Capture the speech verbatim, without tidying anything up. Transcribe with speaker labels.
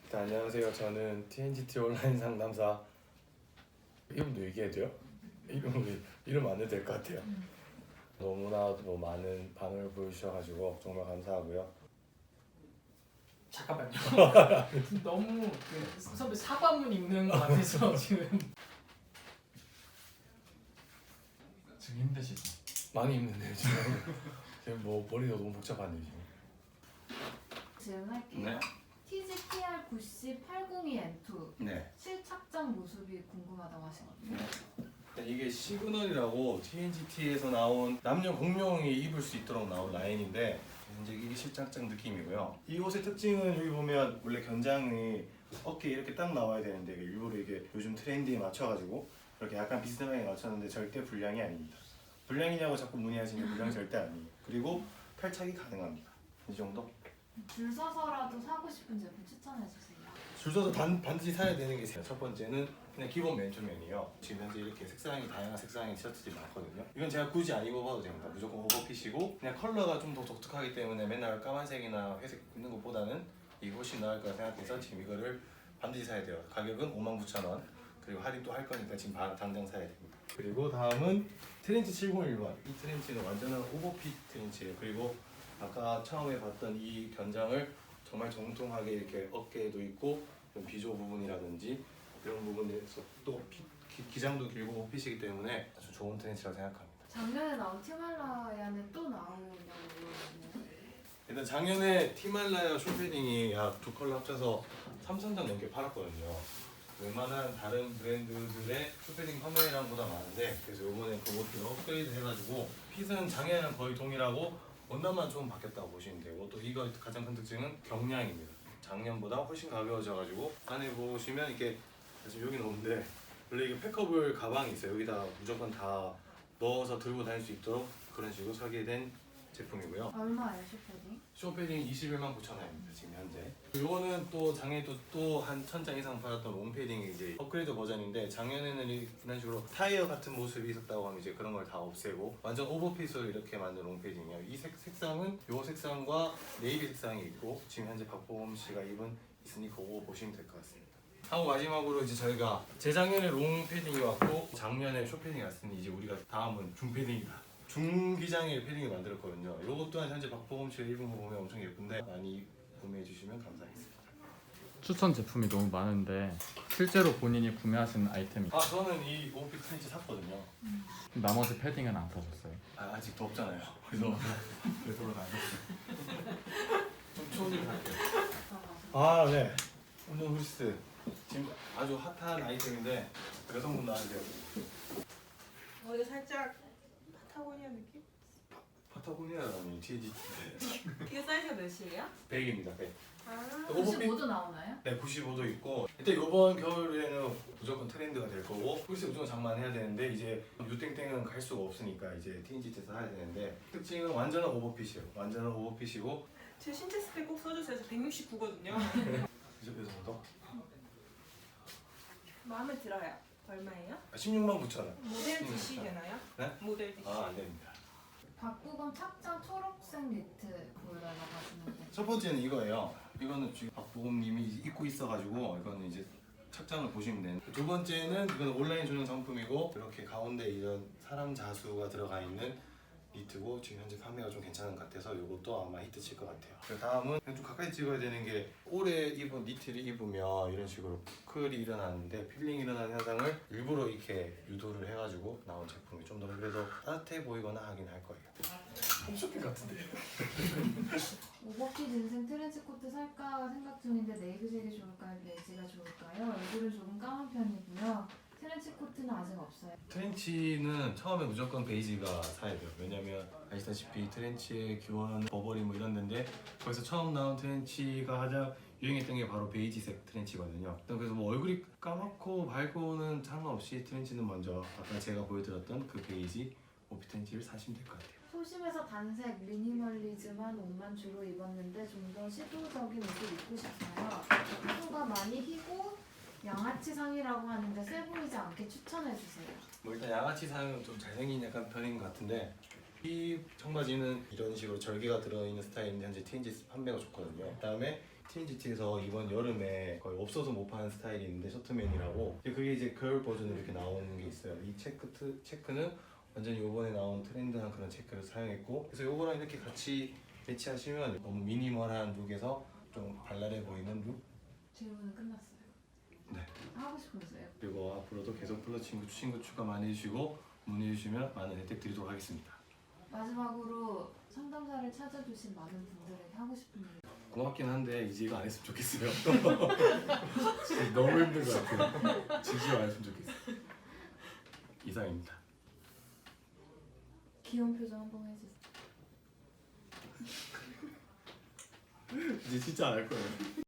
Speaker 1: 네, 안녕하세요. 저는 티엔지티 온라인 상담사. 이름도 얘기해도 돼요? 이름 이름 안 해도 될 것 같아요.
Speaker 2: 음.
Speaker 1: 너무나도 많은 반응을 보여주셔가지고 정말 감사하고요.
Speaker 2: 잠깐만요. 너무 그 선배 사과문 읽는 것 같아서 지금.
Speaker 3: 지금 힘드시죠?
Speaker 1: 많이 힘든데요 지금. 지금 뭐 머리가 너무 복잡한데 지금.
Speaker 4: 질문할게요.
Speaker 1: 네.
Speaker 4: 티지티알 구십 팔공이 엠 투
Speaker 1: 네.
Speaker 4: 실착장 모습이 궁금하다고 하시거든요.
Speaker 1: 네, 이게 시그널이라고 티엔지티에서 나온 남녀 공용이 입을 수 있도록 나온 라인인데 이제 이게 실착장 느낌이고요. 이 옷의 특징은 여기 보면 원래 견장이 어깨에 이렇게 딱 나와야 되는데 일부러 이게 요즘 트렌드에 맞춰가지고 이렇게 약간 비스듬하게 맞췄는데 절대 불량이 아닙니다. 불량이냐고 자꾸 문의하시면 불량 절대 아니에요. 그리고 탈착이 가능합니다. 이 정도?
Speaker 4: 줄 서서라도 사고 싶은 제품 추천해 주세요.
Speaker 1: 줄 서서 반, 반드시 사야 되는 게 있어요. 첫 번째는 그냥 기본 맨투맨이요. 지금 현재 이렇게 색상이 다양한 색상의 티셔츠들이 많거든요. 이건 제가 굳이 안 입어봐도 됩니다. 무조건 오버핏이고 그냥 컬러가 좀 더 독특하기 때문에 맨날 까만색이나 회색 입는 것보다는 이게 훨씬 나을 거라 생각해서 지금 이거를 반드시 사야 돼요. 가격은 오만 구천 원. 그리고 할인도 할 거니까 지금 당장 사야 됩니다. 그리고 다음은 트렌치 칠공일 번. 이 트렌치는 완전한 오버핏 트렌치예요. 그리고 아까 처음에 봤던 이 견장을 정말 정통하게 이렇게 어깨에도 있고 비조 부분이라든지 이런 부분에서 또 피, 기, 기장도 길고 오핏이기 때문에 아주 좋은 트렌치라고 생각합니다.
Speaker 4: 작년에 나온 티말라야는 또 나오냐고 물어보네요.
Speaker 1: 일단 작년에 티말라야 쇼패딩이 약 두 컬러 합쳐서 삼천 장 넘게 팔았거든요. 웬만한 다른 브랜드들의 쇼패딩 판매량보다 많은데 그래서 이번에 그것도 업그레이드 해가지고 핏은 작년이랑 거의 동일하고 원단만 좀 바뀌었다고 보시면 되고 또 이거 가장 큰 특징은 경량입니다. 작년보다 훨씬 가벼워져가지고 안에 보시면 이렇게 지금 여기 넣는데 원래 이게 팩커블 가방이 있어요. 여기다 무조건 다 넣어서 들고 다닐 수 있도록 그런 식으로 설계된 제품이고요.
Speaker 4: 얼마예요 쇼패딩?
Speaker 1: 쇼패딩 이십일만 구천 원입니다 지금 현재. 요거는 또 작년에 또 한 천 장 이상 팔았던 롱패딩이 이제 업그레이드 버전인데 작년에는 이런 식으로 타이어 같은 모습이 있었다고 하면 이제 그런 걸 다 없애고 완전 오버핏으로 이렇게 만든 롱패딩이에요. 이 색, 색상은 요 색상과 네이비 색상이 있고 지금 현재 박보검 씨가 입은 있으니 그거 보시면 될 것 같습니다. 하고 마지막으로 이제 저희가 재작년에 롱패딩이 왔고 작년에 쇼패딩이 왔으니 이제 우리가 다음은 중패딩이다. 중기장의 패딩을 만들었거든요. 이것 또한 현재 박보검 씨가 입은 거 보면 엄청 예쁜데 많이 구매해 주시면 감사하겠습니다.
Speaker 3: 추천 제품이 너무 많은데 실제로 본인이 구매하신 아이템이
Speaker 1: 아 저는 이 오피스 트렌치 샀거든요.
Speaker 3: 나머지 패딩은 안 사셨어요?
Speaker 1: 아, 아직 덥잖아요. 그래서 그래서 안 좀 추워지면 갈게요. 아 네. 운동 후리스 지금 아주 핫한 아이템인데 여성분도 아세요.
Speaker 5: 어, 이거 살짝 파타고니아 느낌?
Speaker 1: 파타고니아라니 티엔지티
Speaker 5: 이거 사이즈가 몇이에요?
Speaker 1: 백입니다. 백.
Speaker 5: 아,
Speaker 4: 구십오 도 나오나요?
Speaker 1: 네, 구십오 도 있고 일단 이번 겨울에는 무조건 트렌드가 될 거고 후리스 무조건 장만해야 되는데 이제 유땡땡은 갈 수가 없으니까 이제 티엔지티에서 사야 되는데 특징은 완전한 오버핏이에요. 완전한 오버핏이고
Speaker 5: 제 신체 스펙 꼭 써주세요. 저 백육십구거든요.
Speaker 1: 이제 그 정도?
Speaker 5: 마음에 들어요. 얼마예요?
Speaker 1: 십육만 구천 원.
Speaker 5: 모델
Speaker 1: 음,
Speaker 5: 디씨
Speaker 1: 자.
Speaker 5: 되나요?
Speaker 1: 네?
Speaker 5: 모델 디씨.
Speaker 1: 아, 안 됩니다.
Speaker 4: 박보검 착장 초록색 니트 보여달라고 하시는데
Speaker 1: 첫 번째는 이거예요. 이거는 지금 박보검님이 입고 있어가지고 이거는 이제 착장을 보시면 되는. 두 번째는 이건 온라인 전용 상품이고 이렇게 가운데 이런 사람 자수가 들어가 있는 니트고 지금 현재 판매가 좀 괜찮은 것 같아서 이것도 아마 히트 칠 것 같아요. 그 다음은 좀 가까이 찍어야 되는 게 올해 입은 니트를 입으면 이런 식으로 부클이 일어나는데 필링이 일어나는 현상을 일부러 이렇게 유도를 해가지고 나온 제품이 좀 더 그래도 따뜻해 보이거나 하긴 할 거예요. 홈쇼핑 같은데.
Speaker 4: 오버핏 인생 트렌치 코트 살까 생각 중인데 네이비색이 좋을까요? 베이지가 좋을까요? 얼굴은 조금 까만 편이고요. 트렌치 코트는 아직 없어요.
Speaker 1: 트렌치는 처음에 무조건 베이지가 사야 돼요. 왜냐면 아시다시피 트렌치의 기원, 버버리 뭐 이런 데인데 거기서 처음 나온 트렌치가 가장 유행했던 게 바로 베이지색 트렌치거든요. 그래서 뭐 얼굴이 까맣고 밝고는 상관없이 트렌치는 먼저 아까 제가 보여드렸던 그 베이지 오피 트렌치를 사시면 될 것 같아요.
Speaker 4: 소심해서 단색 미니멀리즘한 옷만 주로 입었는데 좀 더 시도적인 옷을 입고 싶어요. 피부가 많이 희고 양아치 상이라고 하는데 세 보이지 않게 추천해 주세요.
Speaker 1: 뭐 일단 양아치 상은 좀 잘생긴 약간 편인 것 같은데 이 청바지는 이런 식으로 절개가 들어있는 스타일인데 현재 티엔지 판매가 좋거든요. 그다음에 티엔지티에서 이번 여름에 거의 없어서 못 파는 스타일이 있는데 셔트맨이라고, 그게 이제 겨울 버전으로 이렇게 나오는 게 있어요. 이 체크 트, 체크는 완전히 이번에 나온 트렌드한 그런 체크를 사용했고, 그래서 요거랑 이렇게 같이 매치하시면 너무 미니멀한 룩에서 좀 발랄해 보이는 룩.
Speaker 4: 질문은 끝났어요.
Speaker 1: 네.
Speaker 4: 하고 싶은 거 있어요?
Speaker 1: 그리고 앞으로도 계속 플러 친구 친구 추가 많이 해주시고 문의해 주시면 많은 혜택 드리도록 하겠습니다.
Speaker 4: 마지막으로 상담사를 찾아주신 많은 분들에게 하고 싶은 얘기.
Speaker 1: 고맙긴 한데 이제 이거 안 했으면 좋겠어요.
Speaker 6: 진짜 너무 힘든 것 같아요. 진심 안 했으면 좋겠어요.
Speaker 1: 이상입니다.
Speaker 4: 귀여운 표정 한번 해주세요.
Speaker 1: 이제 진짜 안 할 거예요.